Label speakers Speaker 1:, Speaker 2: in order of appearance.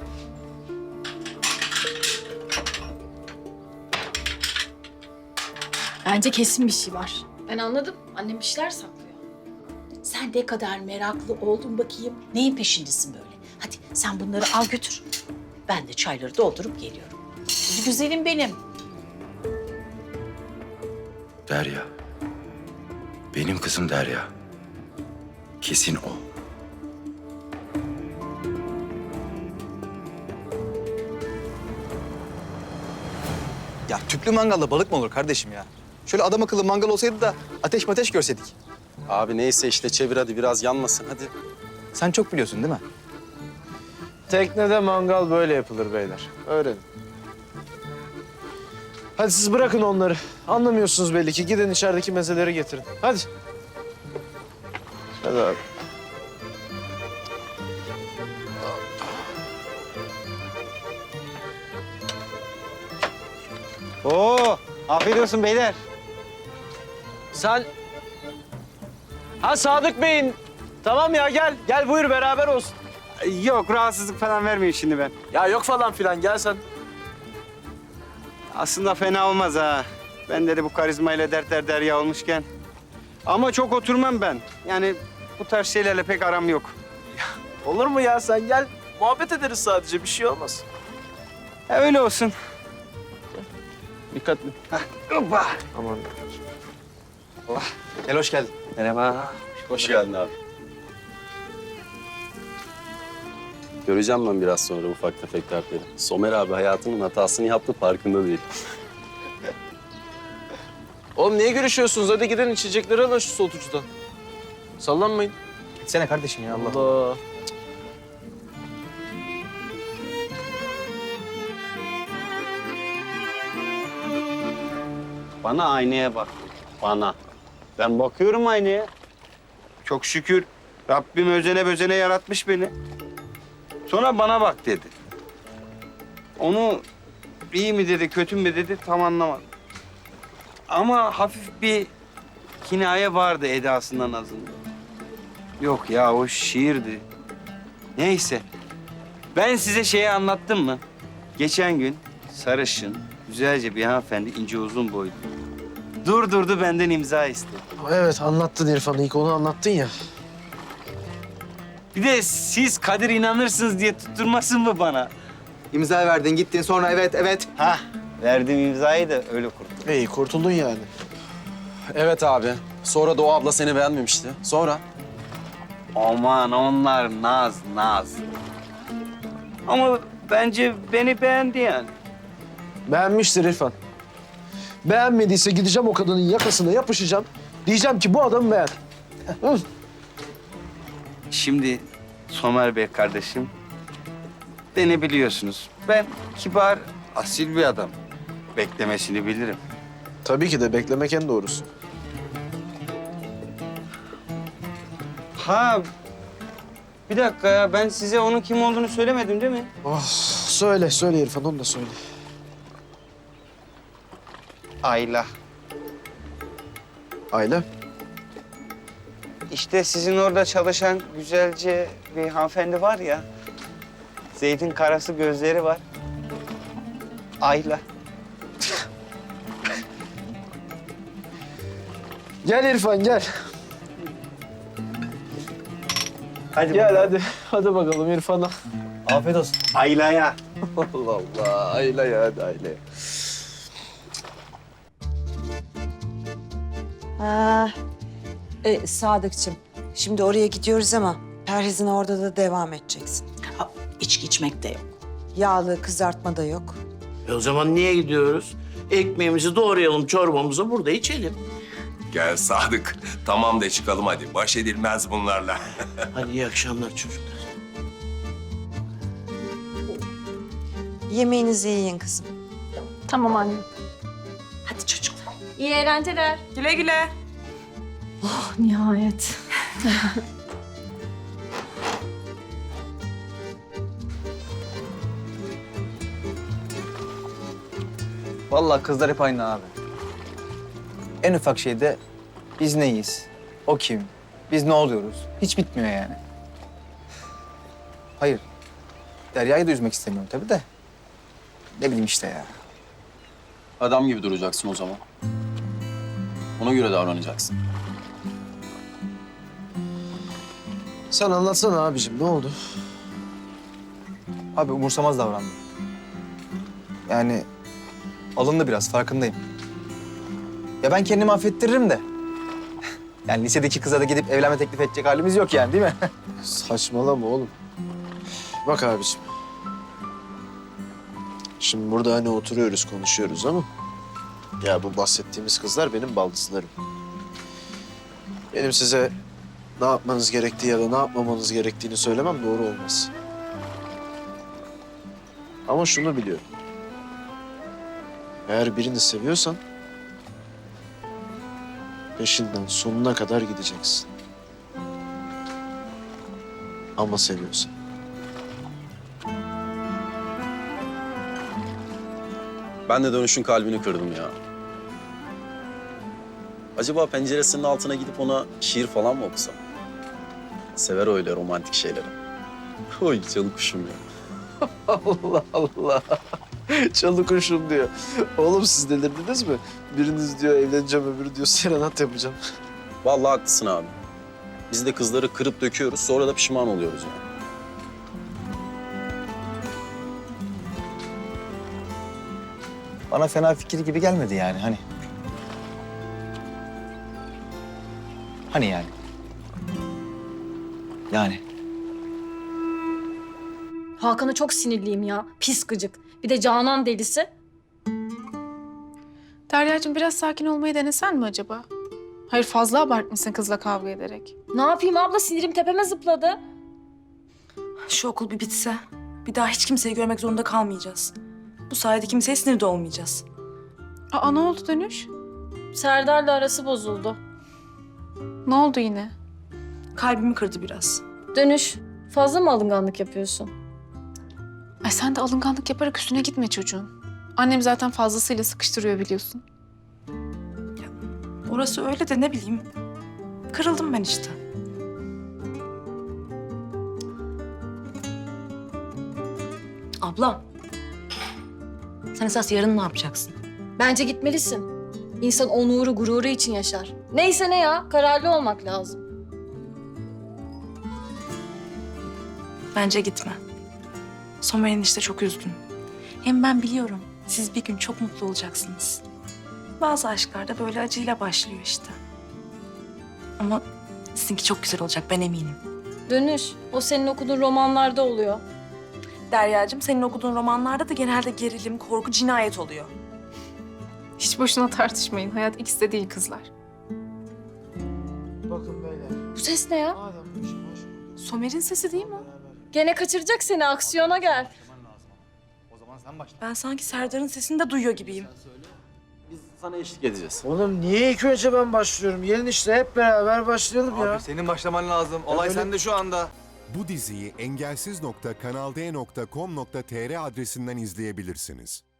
Speaker 1: Bence kesin bir şey var. Ben anladım. Annem bir şeyler saklıyor.
Speaker 2: Sen ne kadar meraklı oldun bakayım. Neyin peşindesin böyle? Hadi sen bunları al götür. Ben de çayları doldurup geliyorum. Hadi güzelim benim.
Speaker 3: Derya. Benim kızım Derya. Kesin o.
Speaker 4: Ya tüplü mangalla balık mı olur kardeşim ya? Şöyle adam akıllı mangal olsaydı da ateş görseydik.
Speaker 5: Abi neyse işte çevir hadi biraz yanmasın hadi.
Speaker 4: Sen çok biliyorsun değil mi?
Speaker 6: Teknede mangal böyle yapılır beyler. Öğrenin. Hadi siz bırakın onları. Anlamıyorsunuz belli ki. Gidin içerideki mezeleri getirin. Hadi. Hadi abi.
Speaker 7: Oo, afiyet olsun beyler.
Speaker 6: Sen... Ha Sadık Bey'in... Tamam ya gel. Gel buyur beraber olsun.
Speaker 7: Yok, rahatsızlık falan vermiyor şimdi ben.
Speaker 6: Ya yok falan filan gel sen.
Speaker 7: Aslında fena olmaz ha. Ben de bu karizmayla dertler derya olmuşken. Ama çok oturmam ben. Yani bu tarz şeylerle pek aram yok.
Speaker 6: Olur mu ya sen gel. Muhabbet ederiz sadece bir şey olmaz.
Speaker 7: Öyle olsun.
Speaker 6: Dikkatli.
Speaker 7: Hoppa.
Speaker 6: Aman.
Speaker 4: Gel hoş geldin.
Speaker 7: Merhaba.
Speaker 5: Hoş geldin abi. Göreceğim ben biraz sonra ufak tefek dertleri. Somer abi hayatının hatasını yaptı farkında değil.
Speaker 6: Oğlum niye görüşüyorsunuz? Hadi gidin içecekleri alın şu soğutucudan. Sallanmayın.
Speaker 4: Gitsene kardeşim ya Allah.
Speaker 6: Allah.
Speaker 7: Bana aynaya bak. Bana. Ben bakıyorum aynaya. Çok şükür Rabbim özene bözene yaratmış beni. Sonra bana bak dedi. Onu iyi mi dedi, kötü mü dedi tam anlamadım. Ama hafif bir kinaye vardı edasından azından. Yok ya o şiirdi. Neyse. Ben size şeyi anlattım mı? Geçen gün sarışın, güzelce bir hanımefendi ince uzun boylu. Durdurdu benden imza istedi.
Speaker 6: Evet anlattın İrfan. İlk onu anlattın ya.
Speaker 7: Bir de siz Kadir inanırsınız diye tutturmasın mı bana?
Speaker 4: İmza verdin gittin sonra evet.
Speaker 7: Hah, verdiğim imzayı da öyle kurtuldum.
Speaker 6: İyi kurtuldun yani.
Speaker 5: Evet abi. Sonra da o abla seni beğenmemişti. Sonra?
Speaker 7: Aman onlar naz. Ama bence beni beğendi yani.
Speaker 6: Beğenmiştir İrfan. Beğenmediyse gideceğim o kadının yakasına yapışacağım. Diyeceğim ki bu adamı beğen. Hı.
Speaker 7: Şimdi Somer Bey kardeşim, beni biliyorsunuz. Ben kibar, asil bir adam. Beklemesini bilirim.
Speaker 6: Tabii ki de beklemek en doğrusu.
Speaker 7: Ha, bir dakika ya. Ben size onun kim olduğunu söylemedim değil mi?
Speaker 6: Oh, söyle İrfan onu da söyle.
Speaker 7: Ayla.
Speaker 6: Aile.
Speaker 7: İşte sizin orada çalışan güzelce bir hanımefendi var ya. Zeytin karası gözleri var. Ayla.
Speaker 6: Gel İrfan gel.
Speaker 7: Hadi
Speaker 6: Gel hadi. Hadi bakalım İrfan'a.
Speaker 4: Afiyet olsun.
Speaker 7: Ayla'ya.
Speaker 6: Allah Allah. Aile ya hadi aile.
Speaker 8: Sadıkçım, şimdi oraya gidiyoruz ama perhizine orada da devam edeceksin.
Speaker 2: Ha, içki içmek de yok.
Speaker 8: Yağlı kızartma da yok.
Speaker 9: O zaman niye gidiyoruz? Ekmeğimizi doğrayalım, çorbamızı burada içelim.
Speaker 3: Gel Sadık. Tamam de çıkalım hadi. Baş edilmez bunlarla.
Speaker 9: Hadi iyi akşamlar çocuklar.
Speaker 8: Yemeğinizi yiyin kızım.
Speaker 1: Tamam anne.
Speaker 2: Hadi çocuklar.
Speaker 1: İyi eğlenceler.
Speaker 8: Güle güle.
Speaker 1: Oh nihayet.
Speaker 4: Vallahi kızlar hep aynı abi. En ufak şeyde biz neyiz? O kim? Biz ne oluyoruz? Hiç bitmiyor yani. Hayır. Derya'yı da üzmek istemiyorum tabii de. Ne bileyim işte ya.
Speaker 5: Adam gibi duracaksın o zaman. Ona göre davranacaksın.
Speaker 6: Sen anlatsana abicim ne oldu?
Speaker 4: Abi umursamaz davrandı. Yani alındı biraz, farkındayım. Ya ben kendimi affettiririm de. Yani lisedeki kıza da gidip evlenme teklif edecek halimiz yok yani, değil mi?
Speaker 6: Saçmalama oğlum. Bak abicim. Şimdi burada hani oturuyoruz, konuşuyoruz ama... Ya bu bahsettiğimiz kızlar benim baldızlarım. Benim size ne yapmanız gerektiği ya da ne yapmamanız gerektiğini söylemem doğru olmaz. Ama şunu biliyorum. Eğer birini seviyorsan... peşinden sonuna kadar gideceksin. Ama seviyorsan.
Speaker 5: Ben de Dönüş'ün kalbini kırdım ya. Acaba penceresinin altına gidip ona şiir falan mı okusam? Sever öyle romantik şeyleri. Oy canım kuşum ya.
Speaker 6: Allah Allah. Çalı kuşum diyor. Oğlum siz delirdiniz mi? Biriniz diyor evleneceğim, öbürü diyor serenat yapacağım.
Speaker 5: Vallahi haklısın abi. Biz de kızları kırıp döküyoruz, sonra da pişman oluyoruz yani.
Speaker 4: Bana fena fikir gibi gelmedi yani hani. Hani yani. Yani.
Speaker 1: Hakan'a çok sinirliyim ya. Pis gıcık. Bir de Canan delisi.
Speaker 10: Derya'cığım biraz sakin olmayı denesen mi acaba? Hayır fazla abartmışsın kızla kavga ederek.
Speaker 1: Ne yapayım abla, sinirim tepeme zıpladı.
Speaker 11: Şu okul bir bitse, bir daha hiç kimseyi görmek zorunda kalmayacağız. Bu sayede kimseye sinir de olmayacağız.
Speaker 10: Aa ne oldu Dönüş?
Speaker 1: Serdar'la arası bozuldu.
Speaker 10: Ne oldu yine?
Speaker 11: Kalbimi kırdı biraz.
Speaker 1: Dönüş, fazla mı alınganlık yapıyorsun?
Speaker 10: Ay sen de alınganlık yaparak üstüne gitme çocuğun. Annem zaten fazlasıyla sıkıştırıyor biliyorsun.
Speaker 11: Orası öyle de ne bileyim. Kırıldım ben işte. Abla, sen esas yarın ne yapacaksın?
Speaker 1: Bence gitmelisin. İnsan onuru, gururu için yaşar. Neyse ne ya, kararlı olmak lazım.
Speaker 11: Bence gitme. Somer enişte çok üzgün. Hem ben biliyorum, siz bir gün çok mutlu olacaksınız. Bazı aşklar da böyle acıyla başlıyor işte. Ama sizinki çok güzel olacak, ben eminim.
Speaker 1: Dönüş, o senin okuduğun romanlarda oluyor.
Speaker 11: Derya'cığım, senin okuduğun romanlarda da genelde gerilim, korku, cinayet oluyor.
Speaker 10: Hiç boşuna tartışmayın. Hayat ikisi de değil kızlar.
Speaker 6: Bakın beyler.
Speaker 1: Bu ses ne ya?
Speaker 6: Madem bu işi boş
Speaker 11: Somer'in sesi değil mi?
Speaker 1: Gene kaçıracak seni, aksiyona gel.
Speaker 11: Ben sanki Serdar'ın sesini de duyuyor gibiyim.
Speaker 5: Biz sana eşlik edeceğiz.
Speaker 6: Oğlum niye ilk önce ben başlıyorum? Gelin işte hep beraber başlayalım ya.
Speaker 4: Abi senin başlaman lazım. Olay
Speaker 6: öyle-
Speaker 4: sende şu anda.
Speaker 12: Bu diziyi engelsiz.kanalde.com.tr adresinden izleyebilirsiniz.